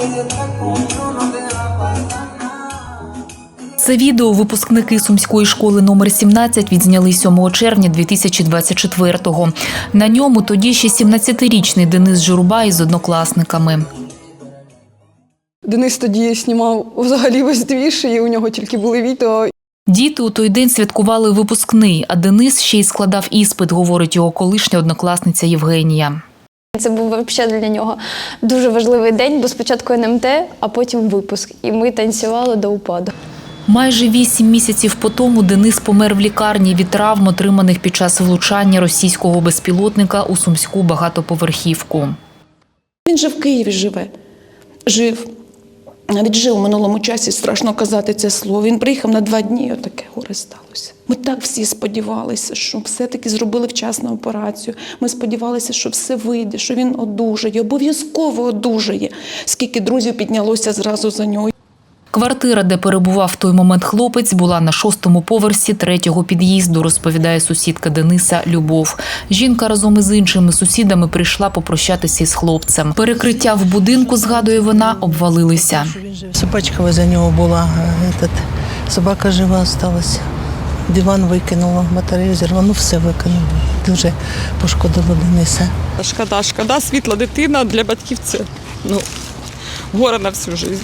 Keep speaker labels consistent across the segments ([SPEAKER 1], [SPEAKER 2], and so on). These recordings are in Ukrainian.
[SPEAKER 1] Це відео випускники Сумської школи номер 17 відзняли 7 червня 2024-го. На ньому тоді ще 17-річний Денис Журба із однокласниками.
[SPEAKER 2] Денис тоді знімав взагалі весь двіж, і у нього тільки були відео.
[SPEAKER 1] Діти у той день святкували випускний, а Денис ще й складав іспит, говорить його колишня однокласниця Євгенія.
[SPEAKER 3] Це був взагалі для нього дуже важливий день, бо спочатку НМТ, а потім випуск. І ми танцювали до упаду.
[SPEAKER 1] Майже 8 місяців по тому Денис помер в лікарні від травм, отриманих під час влучання російського безпілотника у сумську багатоповерхівку.
[SPEAKER 4] Він же в Києві живе. Жив. Навіть жив у минулому часі, страшно казати це слово. Він приїхав на 2 дні, і отаке горе сталося. Ми так всі сподівалися, що все-таки зробили вчасну операцію. Ми сподівалися, що все вийде, що він одужає, обов'язково одужає. Скільки друзів піднялося зразу за нього.
[SPEAKER 1] Квартира, де перебував в той момент хлопець, була на 6-му поверсі 3-го під'їзду, розповідає сусідка Дениса Любов. Жінка разом із іншими сусідами прийшла попрощатися із хлопцем. Перекриття в будинку, згадує вона, обвалилися.
[SPEAKER 5] Собачка возле нього була, собака жива залишилася. Диван викинула, батарею зірвала, все викинула. Дуже пошкодило Дениса.
[SPEAKER 2] Шкода, світла дитина для батьків це горе на всю життя.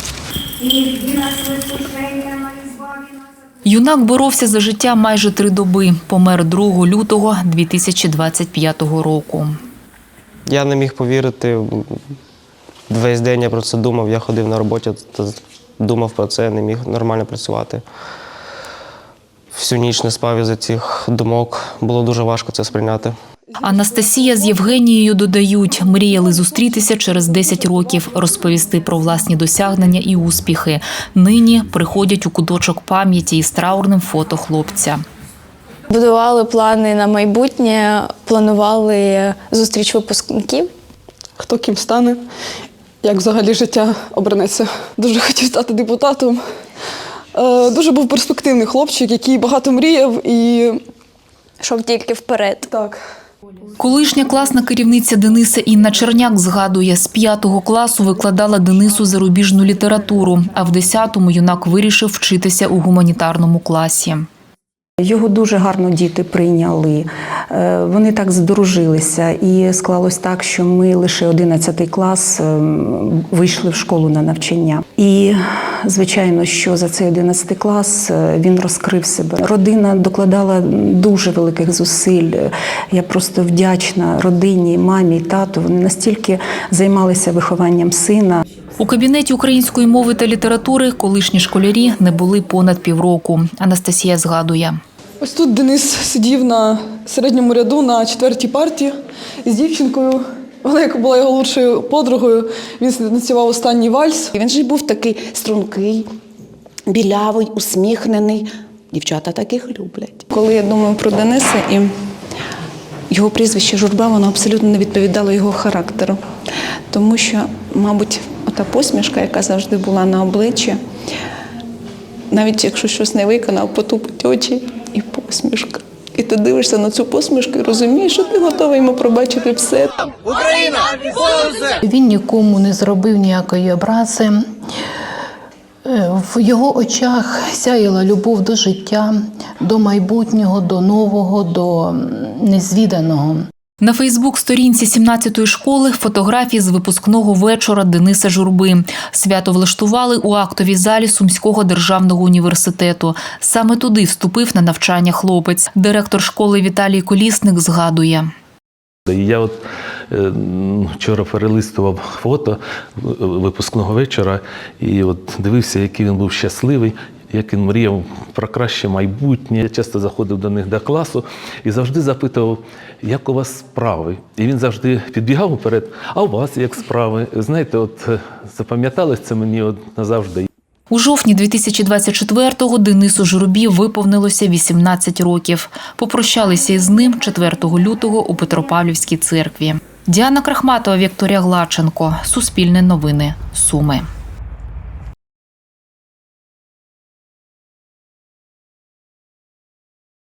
[SPEAKER 1] Юнак боровся за життя майже 3 доби. Помер 2 лютого 2025 року.
[SPEAKER 6] Я не міг повірити. Весь день я про це думав. Я ходив на роботі, думав про це, не міг нормально працювати. Всю ніч не спав із-за цих думок. Було дуже важко це сприйняти.
[SPEAKER 1] Анастасія з Євгенією додають, мріяли зустрітися через 10 років, розповісти про власні досягнення і успіхи. Нині приходять у куточок пам'яті із траурним фото хлопця.
[SPEAKER 3] Будували плани на майбутнє, планували зустріч випускників.
[SPEAKER 2] Хто ким стане, як взагалі життя обернеться. Дуже хотів стати депутатом. Дуже був перспективний хлопчик, який багато мріяв і
[SPEAKER 3] Йшов тільки вперед.
[SPEAKER 2] так.
[SPEAKER 1] Колишня класна керівниця Дениса Інна Черняк згадує, з 5-го класу викладала Денису зарубіжну літературу, а в 10-му юнак вирішив вчитися у гуманітарному класі.
[SPEAKER 7] Його дуже гарно діти прийняли, вони так здружилися і склалось так, що ми лише 11 клас вийшли в школу на навчання. І, звичайно, що за цей 11 клас він розкрив себе. Родина докладала дуже великих зусиль. Я просто вдячна родині, мамі, тату. Вони настільки займалися вихованням сина.
[SPEAKER 1] У кабінеті української мови та літератури колишні школярі не були понад півроку. Анастасія згадує.
[SPEAKER 2] Ось тут Денис сидів на середньому ряду на 4-й парті з дівчинкою. Вона, яка була його лучшою подругою, він танцював останній вальс.
[SPEAKER 4] Він же був такий стрункий, білявий, усміхнений. Дівчата таких люблять. Коли я думаю про Дениса і його прізвище Журба, воно абсолютно не відповідало його характеру. Тому що, мабуть, ота посмішка, яка завжди була на обличчі, навіть якщо щось не виконав, потупить очі і посмішка. І ти дивишся на цю посмішку і розумієш, що ти готовий йому пробачити все.
[SPEAKER 8] Україна!
[SPEAKER 9] Він нікому не зробив ніякої образи. В його очах сяяла любов до життя, до майбутнього, до нового, до незвіданого.
[SPEAKER 1] На Фейсбук-сторінці 17-ї школи фотографії з випускного вечора Дениса Журби. Свято влаштували у актовій залі Сумського державного університету. Саме туди вступив на навчання хлопець. Директор школи Віталій Колісник згадує.
[SPEAKER 10] Я вчора перелистував фото випускного вечора і дивився, який він був щасливий, як він мріяв про краще майбутнє. Я часто заходив до них до класу і завжди запитував, як у вас справи. І він завжди підбігав вперед, а у вас як справи? Знаєте, запам'яталось це мені назавжди.
[SPEAKER 1] У жовтні 2024-го Денису Журбі виповнилося 18 років. Попрощалися із ним 4 лютого у Петропавлівській церкві. Діана Крахматова, Вікторія Глаченко. Суспільне новини. Суми.